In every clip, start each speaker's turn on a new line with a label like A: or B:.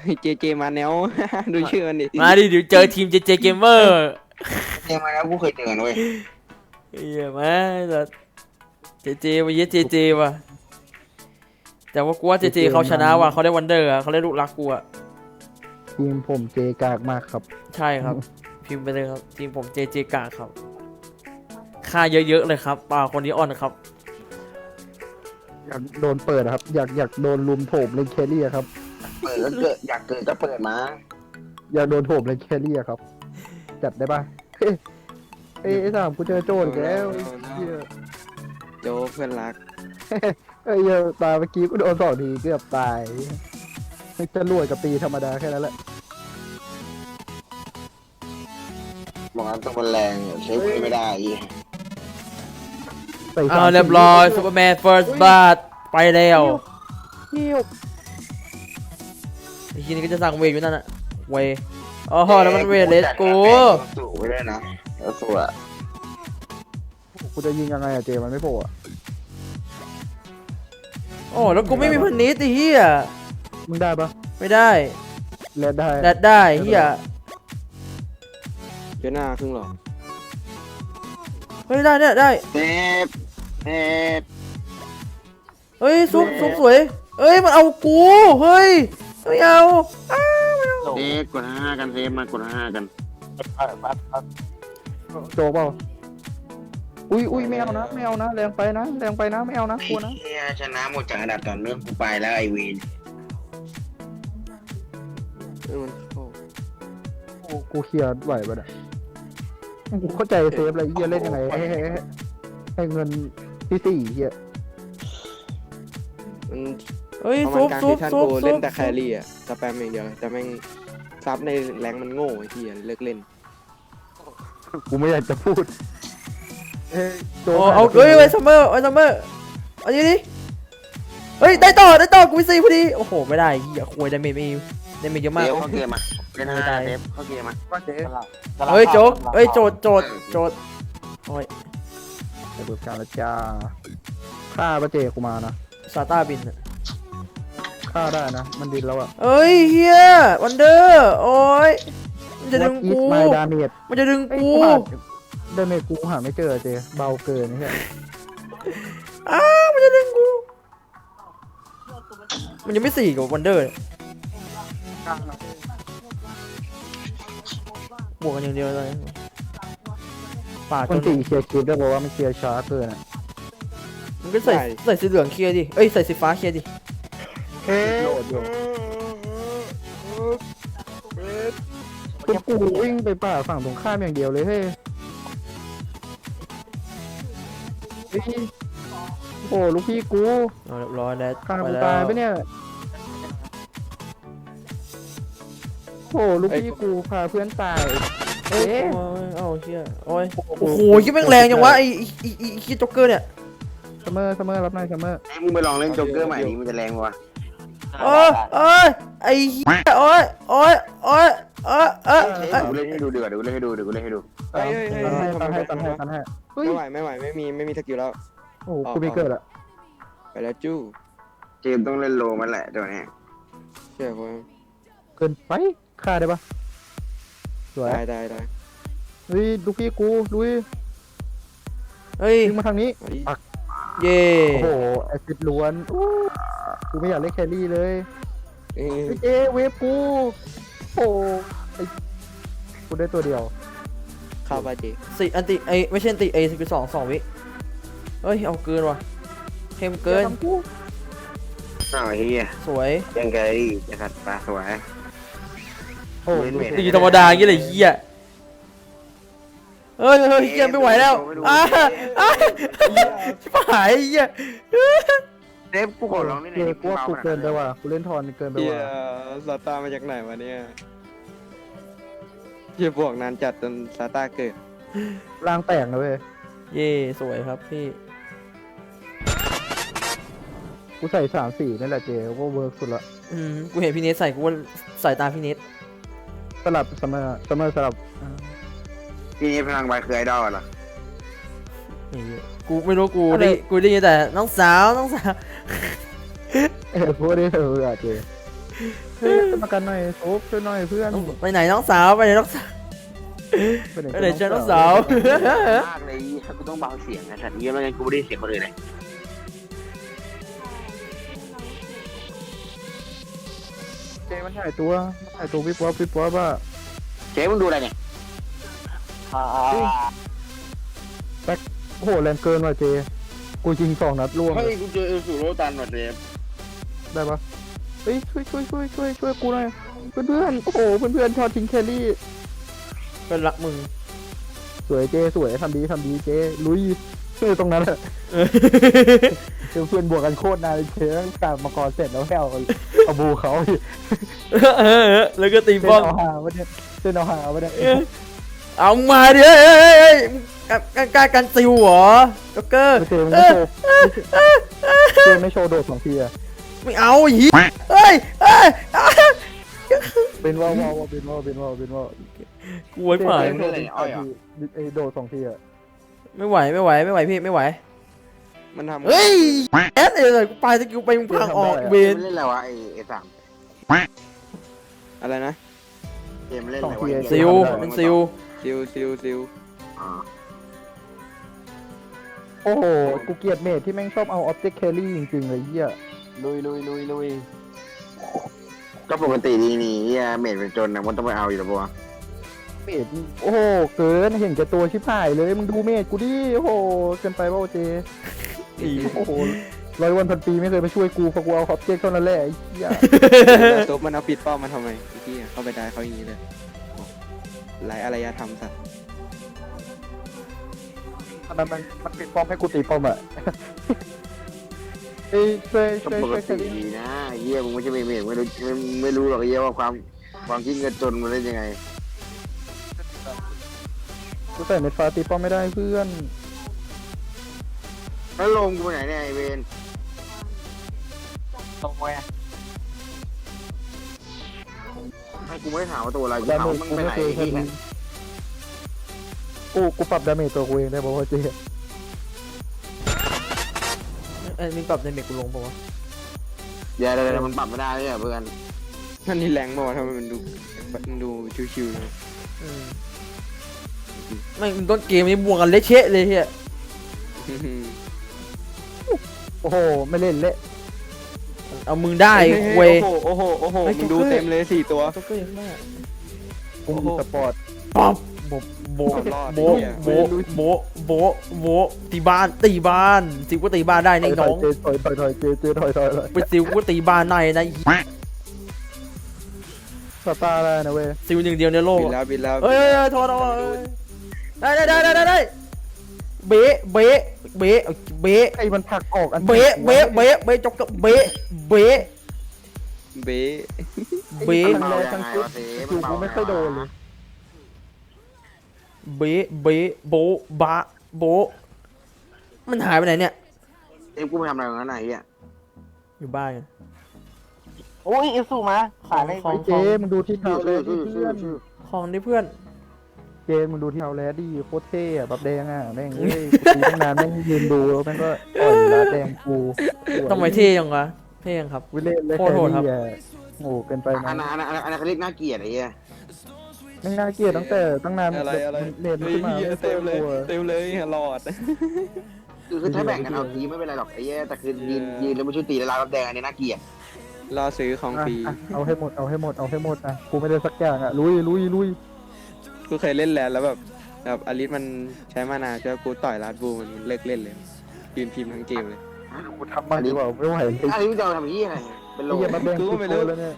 A: เจเจมาแนว ดูชื่อมันดิ
B: มาดิเดี๋ยวเจอทีมเจเจเกมเมอร์
C: เจมาแล้วกูเคยเจอกันเว้ย
B: เฮียมาแต่เจเจมาเยอะเจเจว่ะแต่ว่ากูว่าเจเจเขาชนะว่ะเขาได้วันเดอร์อะเขาได้ลูกรักกูอะ
D: ทีมผมเจกากมากครับ
B: ใช่ครับ พิมพ์ไปเลยครับทีมผมเจเจกาครับค่าเยอะๆเลยครับป่าคนนี้อ่อนครับ
D: อยากโดนเปิดครับ อยากโดนลุมโถมเลยแครี่อะครับ
C: เปิดก็เกิดอยากเกิดก็เปิดมา
D: อยากโดนโถมเลยแครี่อะครับ จัดได้ปะเฮ้ยไอ้สามกูเจอโจรอีกแล้วไอ้เหี้ย
A: โจเพื่อนรัก
D: ไอ้เหี้ยตายเมื่อกี้กูโดน2 ทีเกือบตายไม่จะรวยกับตีธรรมดาแค่นั้นแหละ
C: บอกว่าตัวมันแรงใช้ไม่ได้อี
D: ใส่
B: อ้าวเรียบร้อยซูเปอร์แมนเฟิร์สบัตไปแล้ว
D: เหี้ยว
B: ไอ้ทีนี้ก็จะสั่งเวทอยู่นั่นน่ะเวทอ๋อแล้วมันเวทเลสกู
C: สูงไปด้วยนะแล้วสวย
D: กูจะยิงยังไงอะเจมันไม่โผล่อะ
B: โอ้แล้วกูไม่มีพันนิดไอ้เหี้ย
D: มึงได้ปะ
B: ไม่ได้
D: แลดได้
B: แดดได้เหี้ย
A: เจหน้าครึ่งหรอ
B: เฮ้ยได้ได้
C: เน็บเน็บ
B: เฮ้ยซุปสวยเอ้ยมันเอากูเฮ้ยไม่เอาอ้าไม่เอา
C: เน็บกด5กันเซฟมากด5กัน
D: โจเปล่าอุ้ยไม่เอานะไม่เอานะแรงไปนะแรงไปนะไม่เอานะกลัวนะ
C: เฮียชนะหมดจากอันดับต่อเนื่องกูไปแล้วไอวีน
A: มันเข้า
D: กูเคลียร์ไหวปะเนี่ยกูเข้าใจเซฟอะไรเฮียเล่นยังไงให้เงินที่4เฮีย
A: มัน
B: เฮ้ย
A: ประมา
B: ซุ
A: ณ
B: ป
A: กลาง
B: ซุ
A: ซี
B: ป
A: ซั่น
B: ซุป
A: กูเล่นแต่แครี่อะสแปมอย่างเดียวแต่แม่งซับในแรงมันโง่ไอ้เหี้ยเลิกเล่น
D: กูไม่อยากจะพูดโจ
B: โอ้เอาเฮ้ยไว้ซัมเมอร์เอาดิดิเฮ้ยได้ต่อกูมี4พอดีโอ้โหไม่ได้เหี้ยควยได้เมจไม่ได้เมจเยอะ
C: เซ
B: มาก
C: ฟเข้าเกมอ่ะเล่น5เซฟเข้าเกมอ่ะ
D: ว่าเจ๊
B: เฮ้ยโจ๊กเฮ้ยโจดโอ้ย
D: จะเบิกการละจ้าฆ่าปะเจกูมานะ
B: ซาต้าบินอะ
D: ฆ่าได้นะมันดินแล้วอะ
B: เอ้ยเฮียวันเดอร์โอ้ยมันจะดึงกู
D: ไม่ดาเมจ
B: มันจะดึงกู
D: ดาเมจกูหาไม่เจอเจเบาเกินนี่แค่
B: อ้าวมันจะดึงกูมันยังไม่4กับวันเดอร์บวกกันอย่างเดียวเลยป่าด
D: คน
B: จน
D: 4เคลียร์คลิปได้บอกว่ามันเคลียร์ช้าเกินอะ
B: มันก็ใส่สีเหลืองเคลียร์ดิเอ้ยใส่สีฟ้าเคลียร์ดิ
D: โหลดอยู่คุณกูวิ่งไปป่าฝั่งตรงข้ามอย่างเดียวเลยเฮ้ยโอ้ลูกพี่กู
B: เอาเรียบร้อยแล้ว
D: ฆ่า
B: ไป
D: กู
B: แล้ว
D: ตายปะเนี่ยโอ้ลูกพี่กูพาเพื่อนตายเอ๊ะ
B: โอ้ยเอาเชี่ยโอ้ยโอ้โหยิ่งแม่งแรงจังวะไอ้คิดจ็อกเกอร์เนี่ย
D: ซัมเมอร์รับหน่อยซัมเมอร์
C: มึงไปลองเล่นโจ๊กเกอร์ใหม่ดิมันจะแรงกว่า
B: โอ้ยไอ้เหี้ยโอ้ยเอ้ย
C: กูเล่นให้ดูดีกว่ากูเล่นให้ดูกูเล่นให้ดู
A: เฮ้ย
D: ตันให้เฮ้ย
A: ไม่ไหวไม่มีสกิลแล้ว
D: โอ้กูไม่เกิดอะ
A: ไปแล้วจู้
C: เกมต้องเล่นโลมันแหละตัวนี้
A: เชื่อคน
D: เกินไปฆ่าได้ปะสวย
A: ได้
D: เฮ้ยลูกพี่กูลุย
B: เฮ้ย
D: ยิงมาทางนี้
B: เย่
D: โอ้โหแอซิดล้วนอู้กูไม่อยากเล่นแครี่เลยเฮ้ยเจเวฟกูโอ้ไอ้กูได้ตัวเดียว
A: เข้าไปจี
B: สี่อันติไอไม่ใช่อันติไอสกิล2 วิเฮ้ยเอาเกินว่ะเข้มเกิน
D: อย่าทำกู
C: อ้าวเฮีย
B: สวย
C: ยังไงจะขัดตาสวย
D: โอ้ลูก
B: ตีธรรมดาอย่างเงี้ยเลยเฮียเฮ้ยเฮียไม่ไหวแล้วชิบหายเฮีย
C: เซฟกูขอลองเล่น
D: เจกูว่ากูเกินไปว่ะกูเล่นทอนเกินไป
A: เฮีย
D: ว่ะ
A: ซาต้ามาจากไหนวะเนี่ยเฮียบวกนานจัดจนซาต้าเกิด
D: ร่างแตกนะเว้ย
B: เย่สวยครับพี่
D: กูใส่3-4นั่นแหละเจก็เวิร์กสุดละ
B: กูเห็นพี่เนทใส่กูว่าสายตาพี่เนท
D: สลับซัมเมอร์สลับ
C: พี่นี่พลังใบคือไอดอลเหรอ
B: กูไม่รู้กูได้ยินแต่น้องสาว
D: พูดได้เถอะเจเฮ้ยขึ้นมากันหน่อยโอ๊บช่วยหน่อยเพื่อน
B: ไปไหนน้องสาวไปไหนน้องสาวไปไหนเจอน้องสาว
C: มากเลยกูต้องเบาเสียงนะสัตว์เยี่ยมแล้วกันกูไม่ได้เสียงคนอื่นเลย
D: เจมันถ่ายตัววิบวับว่า
C: เจ๊มึงดูอะไรเนี่ย
D: โอ้โหแรงเกินว่ะเจกูยิง2 นัดล่วง
C: เฮ้ยกูเจอเอลสูโรตันหมดเลย
D: ได้ปะเฮ้ยช่วยกูหน่อยเพื่อนโอ้โหเพื่อนชอบทิ้งแครี่
B: เป็นรักมึง
D: สวยเจสวยทำดีเจลุยตรงนั้นแหละเพื่อนบวกกันโคตรนานเจตั้งแต่มังกรเสร็จแล้วแค่เอาบูเขา
B: แล้วก็ตี
D: เส้น
B: ป้อง
D: เอาหาวะเนี่ยเส้นเอาหาวะเนี่ย
B: เอามาดิการกันซิวเหรอจ็อกเกอร์
D: เจไม่โชว์โดด2 ทีอะ
B: ไม่เอาหีเฮ้ย
D: เป็นว่าว
B: กลัวผ่าน
D: ไอโดด2 ทีอะ
B: ไม่ไหวพี่ไม่ไหว
A: มันทำ
B: เฮ้ยแอดเลยกูไปสกิลไปมึงพังออกเบน
C: เล่นอะไรวะไอ้สาม
A: อะไรนะ
C: เกมเล่นอะไรวะ
B: ซิวเป็นซิว
A: ซิล
D: โอ้โหกูเกลียดเมทที่แม่งชอบเอาออบเจกต์แครี่จริงๆเลยเหี้ย
A: ลุย
C: ก็ปกติดีนี่เฮียเมดเป็นจนนะมันต้องไปเอาอยู่แล้วปะวะ
D: เมทโอ้โหเกินเห็นแก่ตัวชิบหายเลยมึงดูเมทกูดิโอ้โหเกินไปเปล่าเจโอ้โห100 วัน 1,000 ปีไม่เคยมาช่วยกูเพราะกูเอาออบเจกต์เท่านั้นแหละไอ้เหี้ย
A: ตัวมันเอาปิดเป้ามันทำไมไอ้ที่เข้าไปได้เขาอย่างนี้เลยไร้อารยธรรมสัตว์
D: อันนั้นมันปิดป้อมให้กูตีป้อมอะเอ้ยช่วย
C: ก็ปก
D: แค
C: ติ
D: รี่
C: ดีนะเฮียมึงไม่ใช่เมดไม่รู้หรอกเฮียว่าความคิดเงินจนมันเล่นยังไง
D: กูใส่เม็ดฟ้าตีป้อมไม่ได้เพื่อน
C: แล้วลงกูไปไหนเนี่ยไอเวน
D: ตรงแว
C: ให้กูไม่ได้ถามว่าตัวอะไรกู
D: ดา
C: ถาม
D: เม
C: ว่า
D: จ
C: มึง
D: กู
C: ไป
D: ไม่
C: ไหน
D: เคย
C: ที่
D: กูปรับดาเมจตัวกูเองได้บอกว่าเจ๊
B: มีปรับในเมกกูลงป่าวะ
C: เดี๋ยวมันปรับไม่ได้เลยเพื่อน
A: นั่นนี่แรงบอกทำไมมันดูชิวๆเลย
B: ไม่ต้นเกมนี้บวกกันเละเชะเลยเฮีย
D: โอ้โหไม่เล่นเละ
B: เอามึงได้เว้ย
A: โอ้โหมึงดูเต็มเลย4 ตัว
B: จ็อกเกอร์ยังได้
D: กูมีสปอร์ต
B: ป๊อปโบตีบ้านซิวก็ตีบ้านได้นี่น้อง
D: เจถอยเจถอย
B: ไปซิวก็ตีบ้านได้นะ
D: สตาร์ได้นะเว้ย
B: ซิวหนึ่งเดียวในโลก
A: บินแล้ว
B: เฮ้ยโทษได้เบะ
D: ไอ้มันผลักออกอัน
B: เบะจ็อกเกอร์เบะ
A: เบ๊
D: ทั้งแรกทั้งชุดกูไม่ค่อยโดนเลย
B: เบะโบมันหายไปไหนเนี่ย
C: กูไปทำอะไรตรงนั้นไหนเฮีย
B: อยู่บ้านกัน
E: โอ้ยเอลสูมาขายได้
B: ของ
D: เจมึงดูที่เท้าแล้วดิเพื่อน
B: ของดิเพื่อน
D: เจมึงดูที่เท้าแล้วดิโคตรเท่อะแบบแดงอ่ะแม่งเอ้ยตีตั้งนานแม่งยืนดูแล้วแม่งก็อ่อยละแดงกู
B: ทำไมเท่ยังวะเท่ยังครับ
D: วิเล่นเลย
B: โคตรโหดครับ
D: โง่เกินไป
C: อั
D: นะ
C: นนั้นเขาเรียกน่าเกลียดไอ้เหี้ย
D: แม่งน่าเกลียดตั้งแต่ตั้งนาน
A: อะไร
D: เล่นขึ้นมาไม่
A: เต็มเลย
D: กลัว
A: เต็มเลยหลอด
C: คือถ้าแบ่งกันเอาทีไม่เป็นไรหรอกไอ้เหี้ยแต่คือยืนแล้วไม่ช่วยตีแล้วลายรับแดงอันนี้น่าเกลียด
A: รอซื้อของฟรี
D: เอาให้หมดอ่ะกูไม่ได้สักอย่างอ่ะลุย
A: กูเคยเล่นแล้วแบบอลิสมันใช้มานาเจ้ากูต่อยลาดบูมันเลิกเล่นเลยยืนพิมพ์ทั้งเกมเลย
D: กูทำมันดีกว่าไม่ไหว
C: อันนี้มึงจะเอาทำยี่อะไรเป็นโล
D: ไอ้เหี้ยมาแบ่งกูแล้วเนี่ย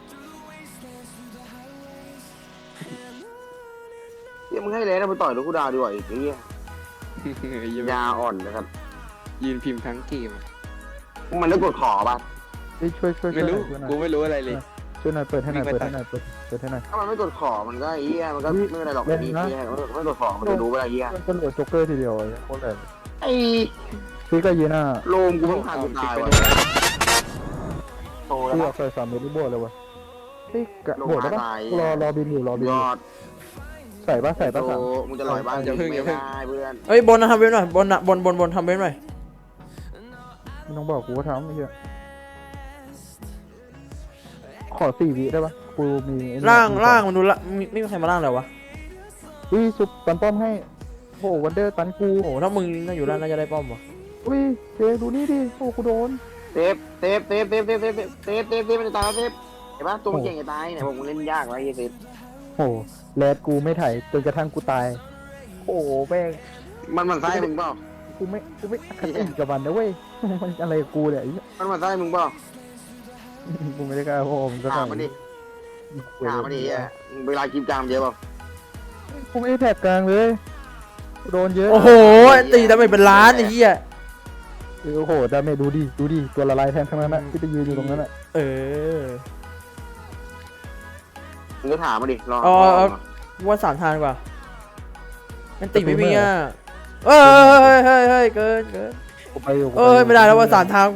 C: เหี้ยมึงให้เลยนะมึงต่อยลูกกูดาวดีกว่าอีกไอ้เหี้ยยาอ่อนนะครับ
A: ยืนพิมพ์ทั้งเกม
C: มันได้กดขอป่ะ
D: ช่วย
A: ไม่รู้กูไม่รู้อะไรเลย
D: ช่วยหน่อยเปิดให้หน่อย
C: ถ้ามันไม่กดขอมันก็ไอ้เหี้ยมันก็ไม่เป็นไรหรอกไอ้เหี้ยไม่กดขอมันจะรู้เวลาเหี้ย
D: ก็โหลดโจ๊กเกอร์ทีเดียวโคตรแรง
C: ไอ้
D: ซื้อก็ยีน่า
C: โลมกูต้องผ่านกูตายว่ะโตแล้ว
D: ซื้อใส่3 เม็ดบวกเลยวะเฮ้ยบวกได้ปะรอบินอยู่
C: ยอด
D: ใส่ปะ
C: โตมึงจะลอยบ้านไม่ได้เพื่อน
B: เอ้ยบนนะทำเว็บหน่อยบนทำเว็บหน่อย
D: ไม่ต้องบอกกูว่าทำไม่เชื่อขอ4 วิได้ปะกูมีไอ้นี่
B: ล่างมันดูละไม่มีใครมาล่างเลยวะ
D: อุ้ยสุดปันป้อมให้โอ้วันเดอร์ตันกู
B: โอ้ถ้ามึงน่าอยู่ล่างน่าจะได้ป้อมวะ
D: อุ้ยเจดูนี่ดิโอ้กูโดน
C: เซฟมันจะตายแล้วเซฟเห็นปะตัวมันเก่งจะตายเนี่ยผมเล่นยากไว้เซฟ
D: โอ้แรดกูไม่ถ่ายจนกระทั่งกูตายโอ้แม่ง
C: มันไส้มึงเปล่า
D: กูไม่ขัดติกับมันนะเว้ยมันอะไรกับกูเนี่ยไอ้เหี้ย
C: มันไส้มึงเปล่า
D: กูไม่ได้กล้าโอ้มันก็
C: ถามมันดิถามมันดิเวลากินจามเยอะเปล่า
D: กูไม่ได้แถบกลางเลยกูโดนเยอะ
B: โอ้โหตีดาเมจเป็นล้านไอ้เหี้ย
D: โอ้โหดาเมจดูดิตัวละลายแทนทั้งนั้นนะที่ไปยืนอยู่ตรงนั้นอ่ะ
B: เออ
C: มึงก็ถามมันดิรอ
B: ว่า3 ทางกว่ามันตีไม่มีอ่ะเฮ้ยเกิน
D: กูไปอยู่
B: ไม่ได้แล้วว่า3 ทาง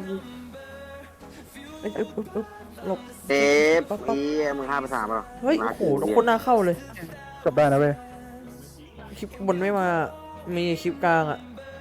B: หลบ
C: เซฟมึง5 ภาษาเปล่า
B: เฮ้ยโอ้โหคนหน้าเข้าเลย
D: กลับได้นะเว้ย
B: คลิปบนไม่มามีคลิปกลางอ่ะ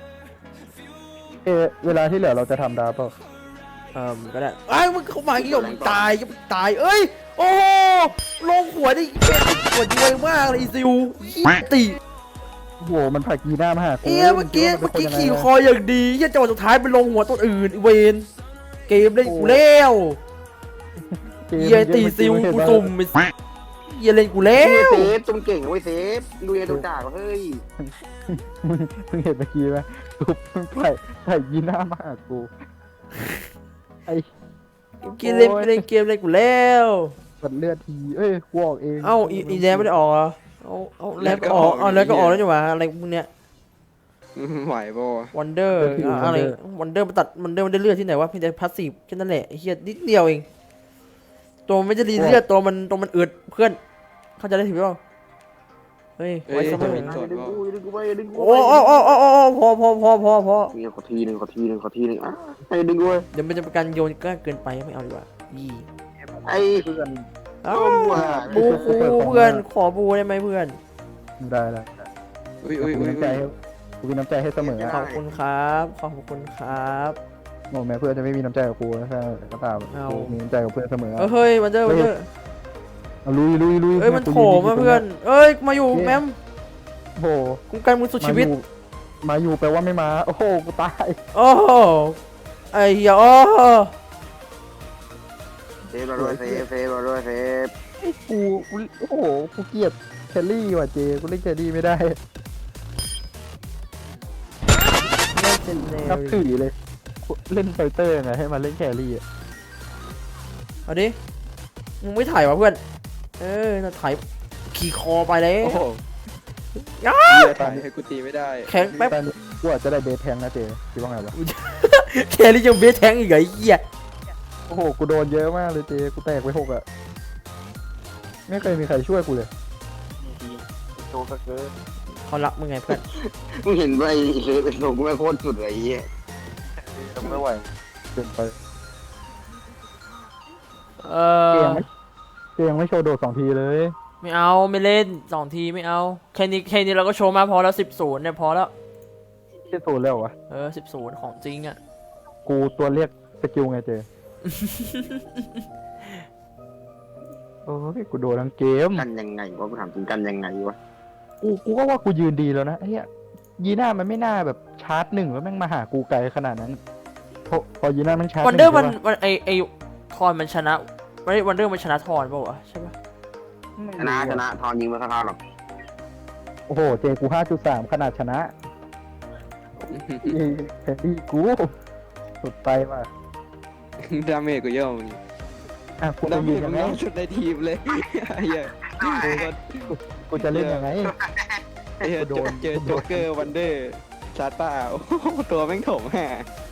D: เวลาที่เหลือเราจะทำดาเปล่า
B: ก็ได้ไอ้มึงเข้ามากี่หยมตายเอ้ยโอ้ลงหัวได้หัวดีเลยมากเลยซิวตี
D: โอ้โหมันผลักยีหน้ามาหากู
B: เมื่อกี้ขี่คออย่างดียันจังหวะสุดท้ายไปลงหัวตัวอื่นเวนเกมเล่นกูแล้วเยตีซิวกูตุ่มเยเล่นกูแล้ว
C: เซฟจงเก่งเว้ยเซฟดูเอตัวจ่าเฮ้ย
D: มึงเห็นเมื่อกี้ไหมทุบมันผลักยีหน้ามาหากูไอ้
B: กินเล่นเกมเล่นกูแล้ว
D: ปัดเลือดทีเอ้ยกูออกเอง
B: เอ้าอีแดงไม่ได้ออกเหรอเอาแล้วก็ออกแล้วก็ออกแล้วจังหวะอะไรพวกเนี้ย
A: ไหวป่ะ
B: วันเดอร์อะไรวันเดอร์มันตัดมันได้เลือดที่ไหนวะเพียงแต่พาสซีฟแค่นั้นแหละเฮียนิดเดียวเองตัวไม่จะดีเลือดตัวมันอึดเพื่อนเข้าใจได้ถึงเปล่าเฮ้ยไว้สมอง
C: ดึงกูไปดึงกู
B: โอ้พอ
C: มีขอทีนึงอ่ะไอ้ดึงกู
B: เดี๋ยวมันจะเป็นการโยนกล้าเกินไปไม่เอาดีกว่ายี่
C: ไอ้
D: เพื่อน
B: อ้าวบูเพื่อนขอบูได้ไหมเพื่อน
D: ได้
A: อุ้ย
D: กูมีน้ำใจให้กูมีน้ำใจให้เสมอ
B: ขอบคุณครับขอบคุณครับ
D: โอ้แม้เพื่อนจะไม่มีน้ำใจกับกูนะก็ตามกูมีน้ำใจกับเพื่อนเสมอ
B: เฮ้ยวันเดอร์
D: ลุย
B: เอ้ยมันโถมมาเพื่อนเอ้ยมาอยู่แมม
D: โอ้โห
B: คุ้มกันมึงสุดชีวิต
D: มาอยู่แปลว่าไม่มาโอ้โหกูตาย
B: โอ้ไอ้เหี้ยโอ้
C: เซฟเราด้วยเซฟ
D: กูโอ้โหกูเกลียดแคลรี่ว่ะเจกูเล่นแคลรี่ไม่ได้
B: ไม่เป็นแนว
D: นับถือเลยเล่นไฟเตอร์ไงให้มาเล่นแคลรี่อ่ะ
B: เอาดิมึงไม่ถ่ายวะเพื่อนจะถ่ายขี่คอไปเลย
A: โอ้โหถ่ายให้กูตีไม่ได้
B: แข็งแป๊บ
D: ตอนนี้กูอาจจะได้เบสแทงนะเจคิดว่าไงวะ
B: แครี่ยังเบสแทงอีกเหรอไอ้เหี้ย
D: โอ้โหกูโดนเยอะมากเลยเจกูแตกไป6อ่ะไม่เคยมีใครช่วยกูเลย
C: โชว์สักเกิน
B: เขารักมึงไงเพื่อน
C: มึงเห็นไปเซฟเป็นโชว์กูไม่โคตรสุดเลยไอ้เหี้ย
D: ไม่ไหวเกินไป เจยังไม่โชว์โดด2 ทีเลย
B: ไม่เอาไม่เล่น2 ทีไม่เอาแค่นี้เราก็โชว์มาพอแล้ว10-0เนี่ยพอแล้ว
D: เชี่ยโซนแล้ววะ
B: 10-0ของจริงอ่ะ
D: กูตัวเรียกสกิลไงเจ โอ้ยกูโดนทั้งเกม
C: กันยังไงวะกูถามจริงกันยังไงวะ
D: กูก็ว่ากูยืนดีแล้วนะไอ้เหี้ยยีน่ามันไม่น่าแบบชาร์จ1แล้วแม่งมาหากูไกลขนาดนั้นพอยีน่ามันชาร์จ
B: วันเดอร์
D: 1
B: มัน
D: ใช่ปะ
B: ไอทอนมันชนะวันเดอร์มันชนะทอนเปล่าวะใช่ปะ
C: ชนะทอนยิงมาสักท่าหรอก
D: โอ้โหเจกู 5.3 ขนาดชนะแพนดี้กูสุดไปว่ะ
A: ดาเมจกูเยอะมึง
D: อ่ะกู
A: ดา
D: จะ
A: เม
D: ยื
A: จ
D: น
A: มึ
D: ยัง
A: ง
D: ไง
A: น้อยสุดในทีมเลยไอ้เหี้ย
D: กูจะเล่นยังไง
A: ไอ้เหี้ยเจอโจ๊กเกอร์วันเดอร์ซาต้าโอ้โหตัวแม่งโถมห่า